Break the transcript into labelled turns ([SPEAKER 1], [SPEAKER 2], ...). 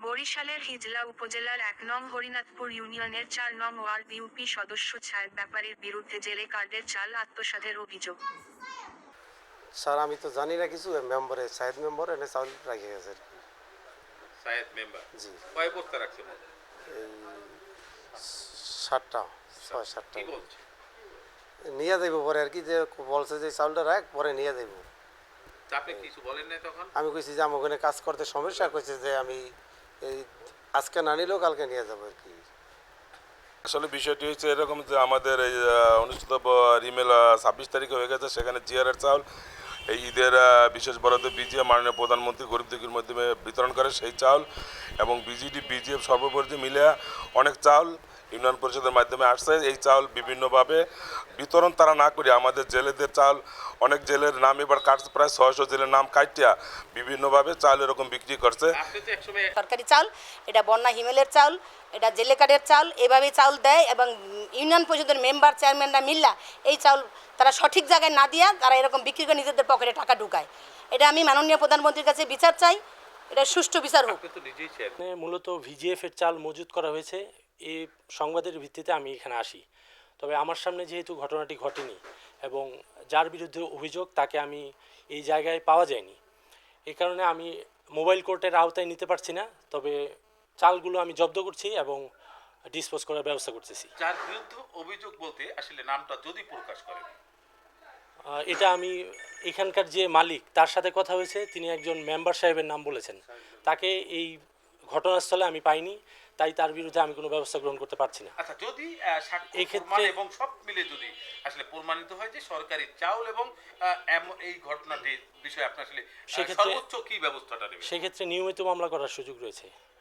[SPEAKER 1] বরিশালের হিজলা উপজেলার ১ নং হরিনাথপুর ইউনিয়নের ৪ নং ওয়ার্ড ইউপি সদস্য ছায়েদ ব্যাপারীর বিরুদ্ধে জেলে কার্ডের চাল আত্মসাতের অভিযোগ।
[SPEAKER 2] স্যার আমি তো জানি না কিছু, মেম্বারে সাহেদ মেম্বার এনে চাউল রাখে গেছে আর কি।
[SPEAKER 3] সায়েদ মেম্বার
[SPEAKER 2] জি
[SPEAKER 3] কয় বস্তা রাখছেন?
[SPEAKER 2] এই 7টা 6-7টা
[SPEAKER 3] কি বলছে?
[SPEAKER 2] নিয়ে যাইব পরে আর কি, যে বলছে যে চাউলটা রাখ পরে নিয়ে যাইব।
[SPEAKER 3] তা আপনি কিছু বলেন নাই তখন?
[SPEAKER 2] আমি কইছি যে আমার ওখানে কাজ করতে সমস্যা, কইছে যে আমি এই আজকে না নিলেও কালকে নিয়ে যাবো আর কি।
[SPEAKER 4] আসলে বিষয়টি হচ্ছে এরকম যে আমাদের এই অনুষ্ঠিত রিমেল 26 তারিখে হয়ে গেছে, সেখানে জিআরের চাউল এই ঈদের বিশেষ বরাদ্দ বিজিএফ মাননীয় প্রধানমন্ত্রী গরিব দুঃখীর মাধ্যমে বিতরণ করে সেই চাউল, এবং বিজিডি বিজিএফ সর্বোপরি মিলে অনেক চাউল ইউনিয়ন পরিষদের মাধ্যমে আসছে। এই চাউল বিভিন্নভাবে বিতরণ তারা না করে আমাদের জেলেদের চাউল, অনেক জেলের নাম এবার কাটছে, প্রায় 600 জেলের নাম কাটিয়া বিভিন্নভাবে চাউল এরকম বিক্রি করছে।
[SPEAKER 3] আপনি তো একসময়
[SPEAKER 5] সরকারি চাল, এটা বন্যা হিমেলের চাল, এটা জেলে কার্ডের চাল, এভাবেই চাউল দেয়। এবং ইউনিয়ন পরিষদের মেম্বার চেয়ারম্যানরা মিল্লা এই চাউল তারা সঠিক জায়গায় না দিয়া তারা এরকম বিক্রি করে নিজেদের পকেটে টাকা ঢুকায়। এটা আমি মাননীয় প্রধানমন্ত্রীর কাছে বিচার চাই, এটা সুষ্ঠু বিচার হোক।
[SPEAKER 3] আপনি তো নিজেই চেয়ারম্যান।
[SPEAKER 6] এখানে মূলত ভিজিএফ এর চাল মজুত করা হয়েছে, এই সংবাদের ভিত্তিতে আমি এখানে আসি। তবে আমার সামনে যেহেতু ঘটনাটি ঘটেনি এবং যার বিরুদ্ধে অভিযোগ তাকে আমি এই জায়গায় পাওয়া যায়নি, এই কারণে আমি মোবাইল কোর্টের আওতায় নিতে পারছি না। তবে চালগুলো আমি জব্দ করছি এবং ডিসপোজ করার ব্যবস্থা করতেছি।
[SPEAKER 3] যার বিরুদ্ধে অভিযোগ বলতে আসলে নামটা যদি প্রকাশ করেন।
[SPEAKER 6] এটা আমি এখানকার যে মালিক তার সাথে কথা হয়েছে, তিনি একজন মেম্বার সাহেবের নাম বলেছেন, তাকে এই ঘটনাস্থলে আমি পাইনি, তাই তার বিরুদ্ধে আমি কোনো ব্যবস্থা গ্রহণ করতে পারছি না।
[SPEAKER 3] আচ্ছা, যদি সাক্ষ্য
[SPEAKER 6] এই ক্ষেত্রে-
[SPEAKER 3] প্রমাণ এবং সব মিলে যদি আসলে প্রমাণিত হয় যে সরকারি চাউল এবং এই ঘটনাটির বিষয়ে আপনি আসলে
[SPEAKER 6] সেক্ষেত্রে-
[SPEAKER 3] সর্বোচ্চ কি ব্যবস্থাটা নেবেন?
[SPEAKER 6] সেক্ষেত্রে নিয়মিত মামলা করার সুযোগ রয়েছে।